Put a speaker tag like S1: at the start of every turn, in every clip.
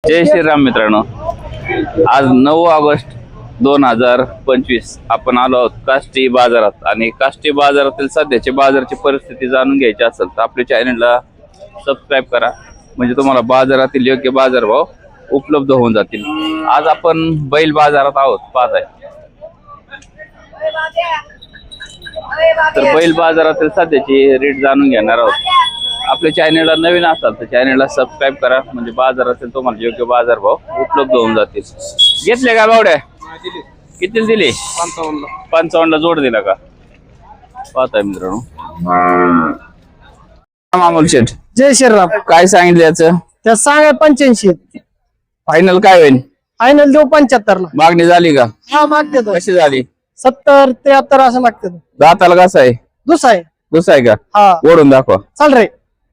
S1: जय श्रीराम मित्रांनो, आज 9 ऑगस्ट 2025 आपण आलो आहोत काष्टी बाजारात आणि काष्टी बाजारातील सध्याची बाजाराची परिस्थिती जाणून घ्यायची असेल तर आपल्या चॅनलला सबस्क्राईब करा, म्हणजे तुम्हाला बाजारातील योग्य बाजारभाव उपलब्ध होऊन जातील। आज आपण बैल बाजारात आहोत पाहताय, तर बैल बाजारातील सध्याची रेट जाणून घेणार आहोत। आपल्या चॅनलला नवीन असाल तर चॅनलला सबस्क्राईब करा, म्हणजे बाजारातील तुम्हाला योग्य बाजारभाव उपलब्ध होऊन जातील। घेतले का बावड्या? किती दिले? 55 ला जोड दिला का? पाहताय मित्रांनो। मामूल शेठ,
S2: जय श्रीराम।
S1: काय सांगितलं याचं?
S2: त्या सांगा 85।
S1: फायनल काय होईल?
S2: फायनल देऊ 75 ला।
S1: मागणी झाली का?
S2: हा मागते तो।
S1: कशी झाली?
S2: 70 73 असं मागते तो।
S1: दाताला कसा आहे?
S2: दुसरा आहे।
S1: दुसरा आहे का?
S2: हा
S1: ओढून दाखवा।
S2: चाल रे।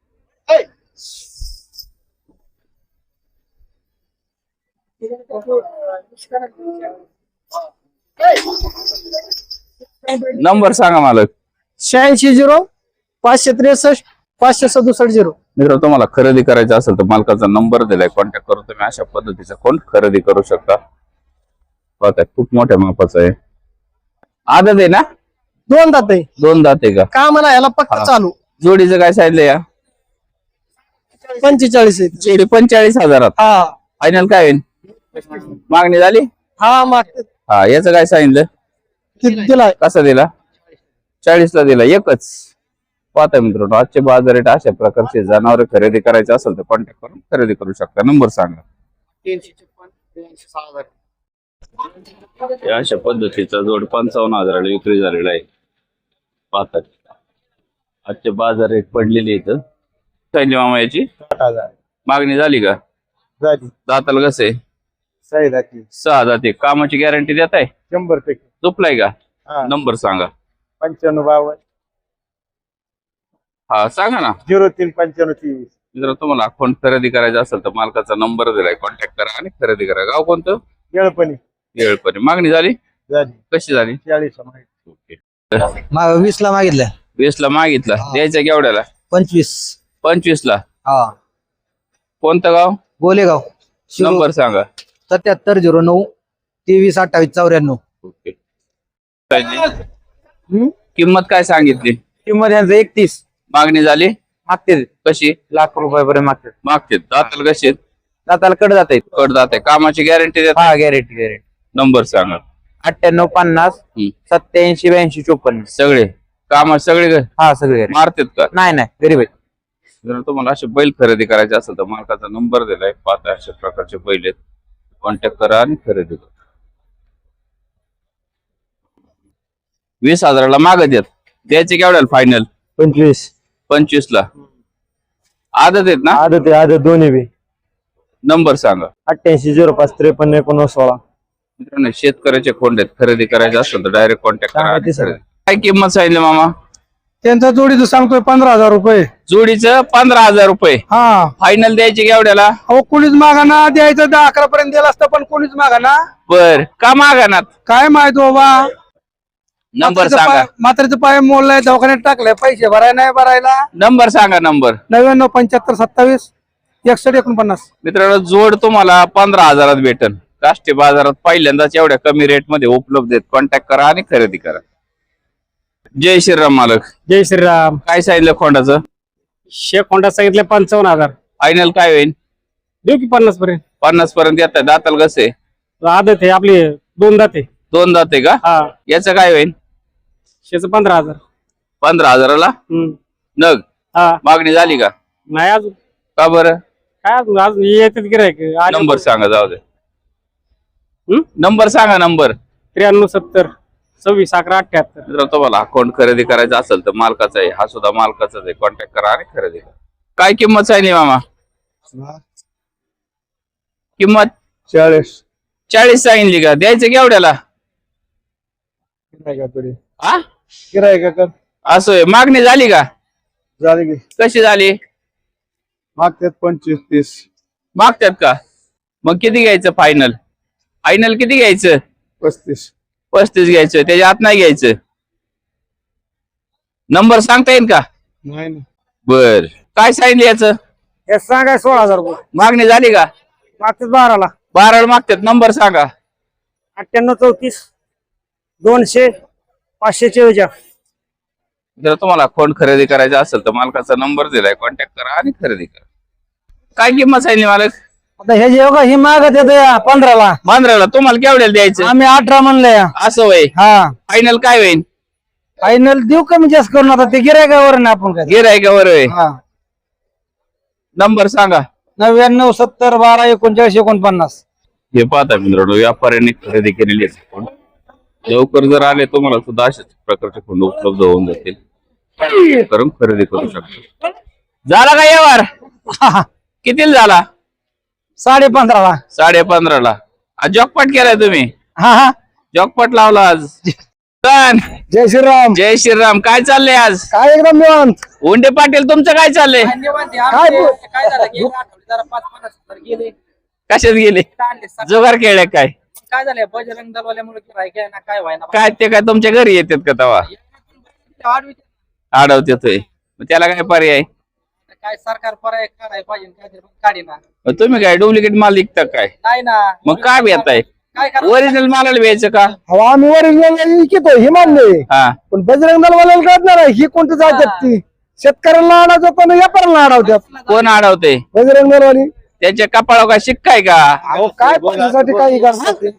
S1: नंबर सांगा मालक।
S2: 86 563 567
S1: मित्र, तुम्हाला खरेदी करायचं असेल तर मालकाचा नंबर दिलाय, कॉन्टॅक्ट करून तुम्ही अशा पद्धतीचा कोण खरेदी करू शकता। बघा खूप मोठ्या मापाचं आहे। आदत आहे ना?
S2: 2 दात आहे।
S1: 2 दात आहे का?
S2: का म्हणा याला पक्का चालू।
S1: जोडीचं काय सांगितलं या?
S2: 45 आहे।
S1: जोडी 45,000।
S2: हा
S1: फायनल काय होईल? मागणी झाली?
S2: हा मागते।
S1: हा, याचं काय सांगितलं?
S2: दिलाय।
S1: कसा दिला? 40 ला दिला। एकच पाहता मित्रांनो, आजचे बाजार रेट अशा प्रकारचे जनावर खरेदी करायचे असेल तर कॉन्टॅक्ट करून खरेदी करू शकता। नंबर सांगा। 356 अशा पद्धतीचा जोड 55,000 विक्री झालेला आहे। पाहता आजचे बाजार रेट पडलेले इथं। सांगितली मामा याची?
S3: 8,000
S1: मागणी झाली का?
S3: झाली।
S1: दाताला कसं आहे?
S3: 6 जाती।
S1: 6 जाते। कामाची गॅरंटी देत आहे?
S3: 100%।
S1: झोपलाय का?
S3: हा।
S1: नंबर सांगा।
S3: 95
S1: हा सांगा ना।
S3: 03 95 23।
S1: जर तुम्हाला अकाउंट खरेदी करायचा असेल तर मालकाचा नंबर दिलाय, कॉन्टॅक्ट करा आणि खरेदी करा। गाव कोणतं?
S3: येळपणी
S1: येळपणी। मागणी झाली?
S3: झाली।
S1: कशी झाली?
S3: 40 माहिती।
S1: ओके।
S4: 20 ला मागितलं।
S1: 20 ला मागितला। द्यायचा केवढ्याला?
S4: 25।
S1: 25 ला।
S4: हा
S1: कोणतं गाव?
S4: गोलेगाव।
S1: नंबर सांगा।
S4: 7709 23 28 94।
S1: ओके। किंमत काय सांगितली?
S4: किंमत यांचं 31।
S1: मागणी झाली?
S4: मागते
S1: कशी?
S4: लाख रुपयापर्यंत मागते।
S1: मागते। दाताला कशी आहेत?
S4: दाताला कड जात आहेत।
S1: कड जाते। कामाची गॅरंटी देत?
S4: हा गॅरेंटी।
S1: नंबर सांगा।
S4: 98 50 87 82 54।
S1: सगळे काम सगळे
S4: हा सगळे
S1: मारतात का?
S4: नाही गरीब आहेत।
S1: जर तुम्हाला असे बैल खरेदी करायचे असेल तर मालकाचा नंबर दिलाय, पाहता अशा प्रकारचे बैल आहेत, कॉन्टॅक्ट करा आणि खरेदी करा। 20,000 ला मागत येत। द्यायचे केवढ्याला फायनल?
S3: 25।
S1: 25 ला। आदत आहेत ना?
S3: आदत दोन्ही बी।
S1: नंबर सांगा।
S3: 88 05 53 19 16।
S1: मित्रांनो, शेतकऱ्याचे खोंड आहेत, खरेदी करायचे असेल तर डायरेक्ट कॉन्टॅक्ट करा आणि खरेदी। काय किंमत सांगितली मामा?
S2: त्यांचा जोडीचं सांगतोय 15,000 रुपये।
S1: जोडीचं 15,000 रुपये।
S2: हा
S1: फायनल द्यायचे केवढ्याला?
S2: अहो कोणीच मागाना, द्यायचं 10-11 पर्यंत दिला असतं पण कोणीच मागाना।
S1: बर का मागानात?
S2: काय माहित बाबा।
S1: नंबर सांगा।
S2: म्हातारीचं पाय मोडलाय, दवाखान्यात टाकलाय, पैसे भरायला नाही भरायला।
S1: नंबर सांगा। नंबर
S2: 99 75 27 61 49।
S1: मित्रांनो, जोड तुम्हाला 15,000 भेटन। काष्टी बाजारात पहिल्यांदाच एवढ्या कमी रेट मध्ये उपलब्ध आहेत, कॉन्टॅक्ट करा आणि खरेदी करा। जय श्रीराम मालक।
S2: जय श्रीराम।
S1: काय सांगितलं खोंडाचं?
S2: शेख होंडा सांगितले 55,000।
S1: फायनल काय होईल?
S2: देऊ की 50 पर्यंत।
S1: 50 पर्यंत येत आहे। दाताला कसे?
S2: आदत आहे आपली 2 दात आहे।
S1: 2 दात आहे का?
S2: हा
S1: याचं काय होईल?
S2: शेच 15,000।
S1: 15,000 ला नग।
S2: हा
S1: मागणी झाली का?
S2: नाही अजून।
S1: का बरं?
S2: काय अजून येतात गिरायक।
S1: नंबर सांगा। जाऊ दे। नंबर सांगा। नंबर
S2: 93 70 26 11 78।
S1: जर तुम्हाला अकाउंट खरेदी करायचा असेल तर मालकाचा आहे, हा सुद्धा मालकाचाच आहे, कॉन्टॅक्ट करा आणि खरेदी करा। काय किंमत सांगितली मामा? किंमत 40 सांगितली का? द्यायचं केवढ्याला? हा
S3: गिरायका कर।
S1: असं मागणी झाली का?
S3: झाली की।
S1: कशी झाली?
S3: मागतात 25 30।
S1: मागतात का? मग किती घ्यायचं फायनल? फायनल किती घ्यायचं?
S3: 35।
S1: 35 घ्यायचं, त्याच्या आत नाही घ्यायचं। नंबर सांगता येईल का?
S3: नाही।
S1: बर काय सांगितलं याचं?
S2: हे सांगाय 16,000 रुपये।
S1: मागणी झाली का?
S2: मागच्याच 12ला
S1: 12 मागतात. नंबर सांगा.
S2: 98 34 200 544.
S1: जर तुम्हाला खोंड खरेदी करायचा असेल तर मालकाचा नंबर दिलाय, कॉन्टॅक्ट करा आणि खरेदी करा. काय किंमत सांगितली मालक?
S2: आता हे जे बघा ही मागत येते 15ला.
S1: 15ला. तुम्हाला केवढ्याला द्यायचं?
S2: आम्ही 18 म्हणले.
S1: असं होय.
S2: हा
S1: फायनल काय होईल?
S2: फायनल देऊ कमी जास्त करून. आता ते गिरायकावर ना आपण काय.
S1: गिरायकावर होय.
S2: हा
S1: नंबर सांगा.
S2: 99 70 12 39 49.
S1: हे पाहता मित्रांनो, व्यापाऱ्यांनी खरेदी केलेली आहे खोंड. लवकर जर आले तुम्हाला सुद्धा अशाच प्रकारचे खोंड उपलब्ध होऊन जातील. करून खरेदी करू शकता. झाला का व्यवहार? कितीला झाला?
S2: 15.5ला.
S1: 15.5ला. आज जॉकपॉट केलाय तुम्ही?
S2: हा हा.
S1: जॉकपॉट लावला आज. पण
S2: जय श्रीराम.
S1: जय श्रीराम. काय चाललंय आज?
S2: काय एकदम निवांत.
S1: उंडे पाटील तुमचं काय चाललंय?
S2: काय
S1: कशात गेले? जुगार खेळले काय?
S5: काय झालंय बजरंग दलवाल्यामुळे गिरायक काय व्हायना
S1: काय ते काय तुमच्या घरी येतात का तवा? अडवतेतोय. मग त्याला काय पर्याय?
S5: काय सरकार पर्याय काढायला पाहिजे काहीतरी पण काढीना.
S1: मग तुम्ही काय डुप्लिकेट माल विकता काय?
S5: नाही ना
S1: मग काय भेटताय?
S5: काय करायचं?
S1: ओरिजिनल मालाला द्यायचं का?
S2: अहो, आम्ही ओरिजिनल विकतो हे मान्य आहे.
S1: हा.
S2: पण बजरंग दलवाल्याला कळत नाही ही कोणती जातात ती. शेतकऱ्यांना अडवतात पण व्यापाऱ्यांना अडवतात.
S1: कोण अडवते?
S2: बजरंग दलवाली.
S1: त्याच्या कपाळावर काय शिक्काय का?
S2: अहो काय पैशासाठी काही करतात ते.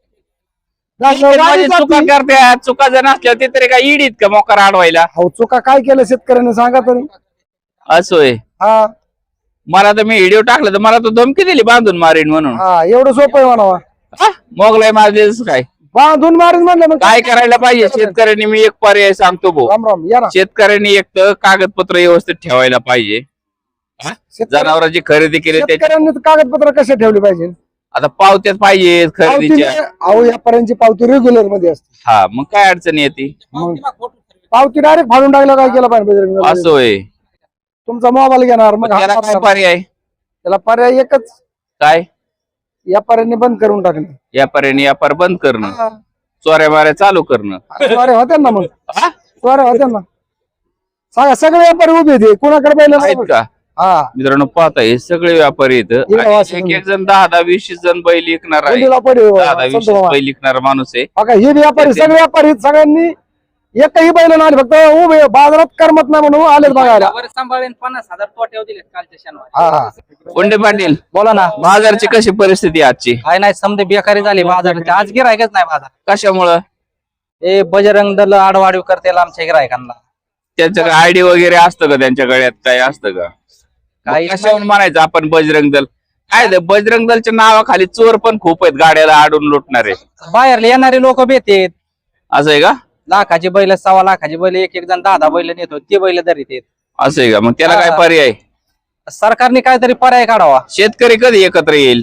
S1: म्हणजे चुका करतात. चुका जर नसल्या ते तरी काय इडीत का मोकार अडवायला?
S2: अहो चुका काय केलं शेतकऱ्यांनी सांगा तरी.
S1: असोय.
S2: हा
S1: मला तर मी व्हिडिओ टाकला तर मला तर धमकी दिली बांधून मारीन म्हणून.
S2: हा एवढं सोपं आहे म्हणावा.
S1: हा? मोगलाई मारलेच काय?
S2: बांधून मारून म्हणलं मग
S1: काय करायला पाहिजे शेतकऱ्यांनी? मी एक पर्याय सांगतो भाऊ.
S2: राम राम या ना.
S1: शेतकऱ्यांनी एक तर कागदपत्र व्यवस्थित ठेवायला पाहिजे. हा? जनावरांची खरेदी केली त्याच्या
S2: शेतकऱ्यांनी तर कागदपत्र कसे ठेवले पाहिजे?
S1: आता पावत्यात पाहिजेत खरेदीच्या.
S2: अहो व्यापाऱ्यांची पावती रेग्युलर मध्ये असते.
S1: हा मग काय अडचण येते?
S2: पावती डायरेक्ट फाडून टाकलं काय केलं पाहिजे बजरंग दलवाली?
S1: असं होय.
S2: तुमचा मोबाईल घेणार मग
S1: मग त्याला
S2: हात
S1: काय
S2: मारणार.
S1: पर्याय?
S2: त्याला पर्याय एकच.
S1: काय?
S2: व्यापाऱ्यांनी बंद करून टाकणं.
S1: व्यापाऱ्यांनी व्यापार बंद करणं, चोऱ्या माऱ्या चालू करणं.
S2: स्वारे होत्या ना मग.
S1: हा?
S2: स्वारे होत्या ना. सांगा सगळे व्यापारी उभे होते कुणाकडे
S1: आहेत
S2: पाहिलं
S1: का?
S2: हा
S1: मित्रांनो पाहता हे सगळे व्यापारी
S2: इकडं
S1: आहेत.
S2: वाचून
S1: एक एक जण 10-10 20 जण बैल विकणार आहे.
S2: कोणीला पडे
S1: 10-20 बैल विकणारा माणूस आहे.
S2: बघा हे व्यापारी सगळे व्यापारी सगळ्यांनी एकही बैल नाही फक्त उभे बाजारात करमत नाही म्हणून आलेच बघायला.
S5: वर सांभाळून 50,000 तोट्यावर दिले कालच्या शनिवारी.
S2: हा हा
S1: कोंडे पाटील,
S5: बोला ना.
S1: बाजारची कशी परिस्थिती आहे आजची?
S5: काय नाही समजे बेकारी झाली बाजाराची. आज गिरायकच नाही बाजार.
S1: कशामुळं?
S5: हे बजरंग दल आडवाडीव करते आमच्या गिरायकांना.
S1: त्यांचं आयडी वगैरे असतं का? त्यांच्या गळ्यात काय असतं का?
S5: काही
S1: कशावर म्हणायचं आपण बजरंग दल? काय ते बजरंग दलच्या नावाखाली चोर पण खूप आहेत, गाड्याला आडून लुटणारे.
S5: बाहेरले येणारे लोक भेटेत.
S1: असं आहे का?
S5: लाखाची बैल 1.25 लाखाची बैल एक एक जण 10-10 बैल नेतो. ते बैल धरीत येत.
S1: असं आहे का? मग त्याला काय पर्याय?
S5: सरकारने काहीतरी पर्याय काढावा.
S1: शेतकरी कधी एकत्र येईल?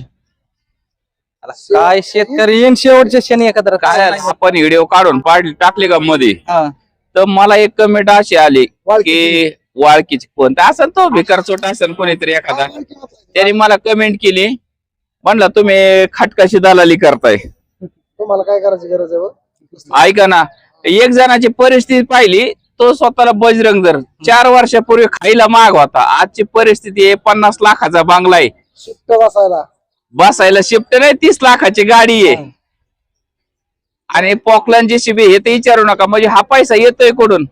S5: काय शेतकरी येईन शेवटचे शनी एकत्र
S1: काय आपण व्हिडिओ काढून टाकले का मध्ये,
S5: हा.
S1: तर मला एक कमेंट अशी आली की वाळकीची कोण असं तो भिकार चोट असेल कोणीतरी एखादा, त्यांनी मला कमेंट केली, म्हणलं तुम्ही खाटकाशी दलाली करताय.
S2: तुम्हाला काय करायची गरज आहे बघ?
S1: ऐका ना, एक जणाची परिस्थिती पाहिली, तो स्वतःला बजरंग दल 4 वर्षापूर्वी खाईला माग होता. आजची परिस्थिती आहे 50 लाखाचा बांगला आहे,
S2: शिफ्ट बसायला.
S1: बसायला शिफ्ट नाही 30 लाखाची गाडी आहे, आणि पॉकलन JCB हे तर विचारू नका. म्हणजे हा पैसा येतोय कुठून?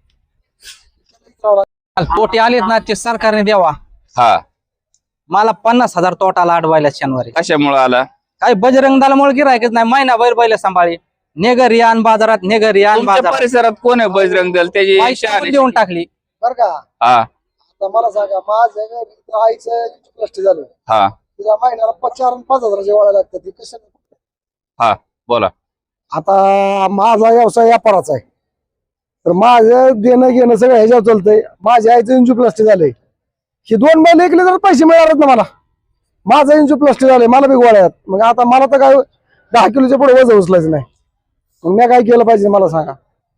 S5: तोटे आलेत ना ते सरकारने द्यावा.
S1: हा,
S5: मला 50,000 तोटाला अडवायला शनिवारी.
S1: कशामुळे आला?
S5: काय बजरंग दलामुळे गिरायकच नाही. महिना बैल सांभाळी नेगर यान बाजारात, नेगर यान
S1: तुमच्या
S5: बाजारात
S1: परिसरात कोण आहे बजरंग दल? त्याची
S5: पैसे देऊन टाकली.
S2: बर का
S1: हा
S2: आता मला सांगा, माझं आईचं प्लस्टी झालं,
S1: हा
S2: तिला महिन्याला 4,000-5,000 वाढायला लागतात. ती कसं?
S1: हा बोला.
S2: आता माझा व्यवसाय व्यापाराचा आहे, तर माझं देणं घेणं सगळं ह्याच्यावर चालतंय. माझ्या आईचं इंजुप्लास्टी झालंय, ही 2 महिने ऐकले तर पैसे मिळालेत ना मला. माझं इंजुप्लास्टी झालंय, मला बी गोळ्यात. मग आता मला तर काय 10 किलोच्या पुढे वजन उचलायचं नाही. मग मी काय केलं पाहिजे मला सांगा?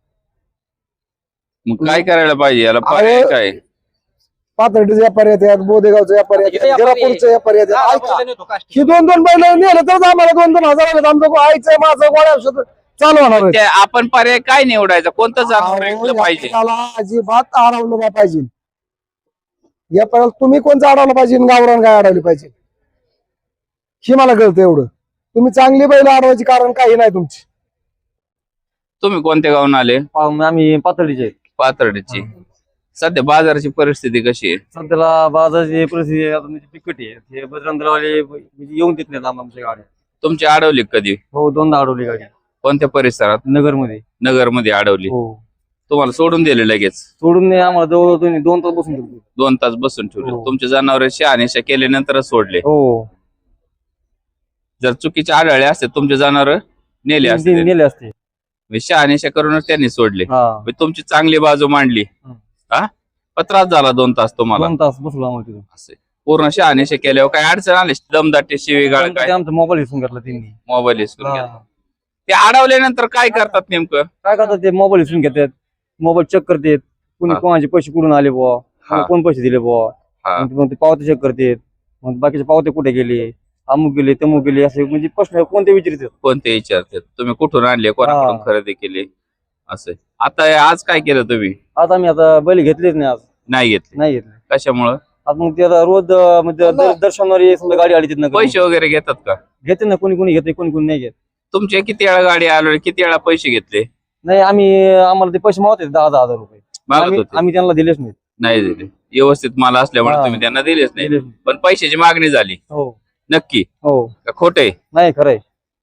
S1: मग काय करायला पाहिजे? याला पर्याय काय?
S2: पाथर्डीचे व्यापारी येतात, बोदेगावचे व्यापारी येतात, गिरापूरचे व्यापारी येतात. ऐका, ही 2-2 बैल नेलं तर आम्हाला 2-2 हजार आले. आमचं आईचं माझं गोळ्या औषध चालू होणार आहे.
S1: आपण पर्याय काय निवडायचा? कोणतं जनावर ऐकलं पाहिजे?
S2: त्याला अजिबात अडवलं नाही पाहिजे. या तुम्ही कोणचं अडवलं पाहिजे? गावरान काय अडवली पाहिजे? हे मला कळतं एवढं. तुम्ही चांगली बैल अडवायची कारण काही नाही तुमची.
S1: तुम्ही कोणत्या गावून आले?
S6: आम्ही पातळीचे
S1: पाथर्डीची. सध्या बाजाराची परिस्थिती कशी आहे?
S6: सध्याला बाजाराची परिस्थिती आता म्हणजे बिकट आहे. हे बजरंगवाले म्हणजे येऊन देत नाहीत आमच्या गाड्या.
S1: तुमची अडवली कधी?
S6: हो, दोनदा अडवली गाडी
S1: कोणत्या परिसरात?
S6: नगरमध्ये.
S1: नगरमध्ये अडवली.
S6: हो,
S1: तुम्हाला सोडून दिले लगेच?
S6: सोडून नाही, आम्हाला जवळ 2 तास बसून ठेवली.
S1: 2 तास बसून ठेवले.
S6: हो.
S1: तुमचे जनावर शहानिशा केल्यानंतरच सोडले.
S6: हो,
S1: जर चुकीचे आढळले असते तुमचे जनावर नेले असते.
S6: नेले असते.
S1: शहानिशा करूनच त्यांनी सोडले.
S6: हा,
S1: तुमची चांगली बाजू मांडली. हा, पण त्रास झाला 2 तास तुम्हाला.
S6: 2 तास बसलो आम्हाला तिथून.
S1: असे पूर्ण शहानिशा केल्यावर काय अडचण आली? दमदाटी शिवीगाळ काय?
S6: आमचा मोबाईल हिसकून घेतला त्यांनी.
S1: मोबाईल हिसकून
S6: हा.
S1: घेतला. ते अडवल्यानंतर काय करतात नेमकं?
S6: काय करतात ते? मोबाईल हिसकून घेतात, मोबाईल चेक करतात. कुणी
S1: हा.
S6: कोणाचे पैसे कुठून आले बुवा,
S1: हा.
S6: कोण पैसे दिले बुवा.
S1: हा.
S6: मग ते पावते चेक करतात. मग बाकीचे पावते कुठे गेले, अमुक गेले तमुक गेले, असे म्हणजे प्रश्न कोणते विचारतात.
S1: कोणते विचारतात? तुम्ही कुठून आणले, कोणाकडून
S6: हा.
S1: खरेदी केली? असं आता आज काय केलं तुम्ही?
S6: आता आम्ही आता बैल घेतलेच नाही, आज
S1: नाही घेतले.
S6: नाही घेतले.
S1: कशामुळं?
S6: आता मग ते आता रोज म्हणजे दर शनिवारी समजा गाडी आली तिथनं
S1: पैसे वगैरे घेतात का?
S6: घेते ना, कोणी कोणी घेते, कोणी कोणी नाही घेत.
S1: तुमचे किती वेळा गाडी आलो, किती वेळा पैसे घेतले?
S6: नाही, आम्हाला ते पैसे मागत 10,000 रुपये.
S1: मागत होते?
S6: आम्ही त्यांना दिलेच नाही.
S1: नाही दिले. व्यवस्थित माल असल्यामुळे
S6: हा.
S1: तुम्ही त्यांना दिलेच नाही.
S6: दिलेच नाही.
S1: पण पैशाची मागणी झाली
S6: हो
S1: नक्की
S6: हो,
S1: का खोटे?
S6: नाही खरंय.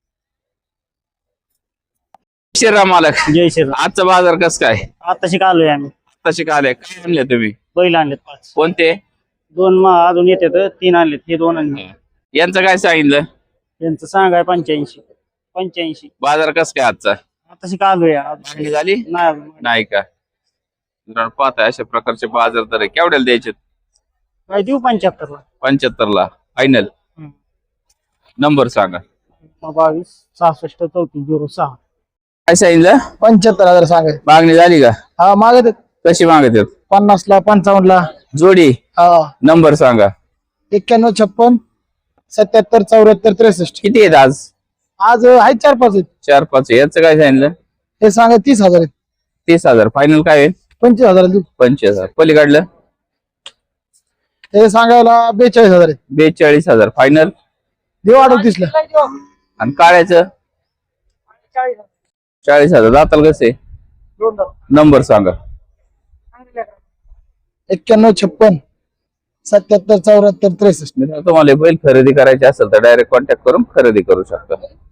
S1: श्रीराम मालक,
S7: जय श्रीराम.
S1: आजचा बाजार कस काय?
S7: आताशी आलोय आम्ही.
S1: तसे काय आले? काय आणले तुम्ही?
S7: बैल आणलेत 5.
S1: कोणते?
S7: 2 अजून येतात, 3 आणलेत. हे 2 आणले.
S1: यांचं काय सांगितलं?
S7: त्यांचं सांगाय 85.
S1: बाजार कस काय आजचा?
S7: आताशी आलोय.
S1: मागणी झाली
S7: नाही अजून.
S1: नाही का? जरा पाहता अशा प्रकारचे बाजार तर केवढ्याला द्यायचे?
S7: काय देऊ 75 ला.
S1: 75 ला फायनल.
S7: हम्म.
S1: नंबर सांगा.
S7: 22 66 34 06.
S1: काय सांगितलं?
S2: 75,000 सांगाय.
S1: मागणी झाली का?
S2: हा, मागत आहेत.
S1: कशी मागत आहेत?
S2: 50 ला, 55 ला.
S1: जोडी.
S2: हा,
S1: नंबर सांगा.
S2: 91 56 77 74 63.
S1: किती आहेत आज?
S2: आज आहेत 4-5 आहेत.
S1: 4-5. याचं काय सांगितलं?
S2: हे सांगा 30,000 आहेत.
S1: 30,000 फायनल. काय आहे?
S2: 25,000 देऊ.
S1: 25,000. पलीकडलं?
S2: हे सांगायला 42,000 आहेत.
S1: 42,000 फायनल.
S2: देऊ 38 ला.
S1: आणि काळ्याचं? 40,000. जाताल कसे? नंबर सांगा.
S2: 91 56 77 74 63.
S1: तुम्हाला बैल खरेदी करायची असेल तर डायरेक्ट कॉन्टॅक्ट करून खरेदी करू शकता.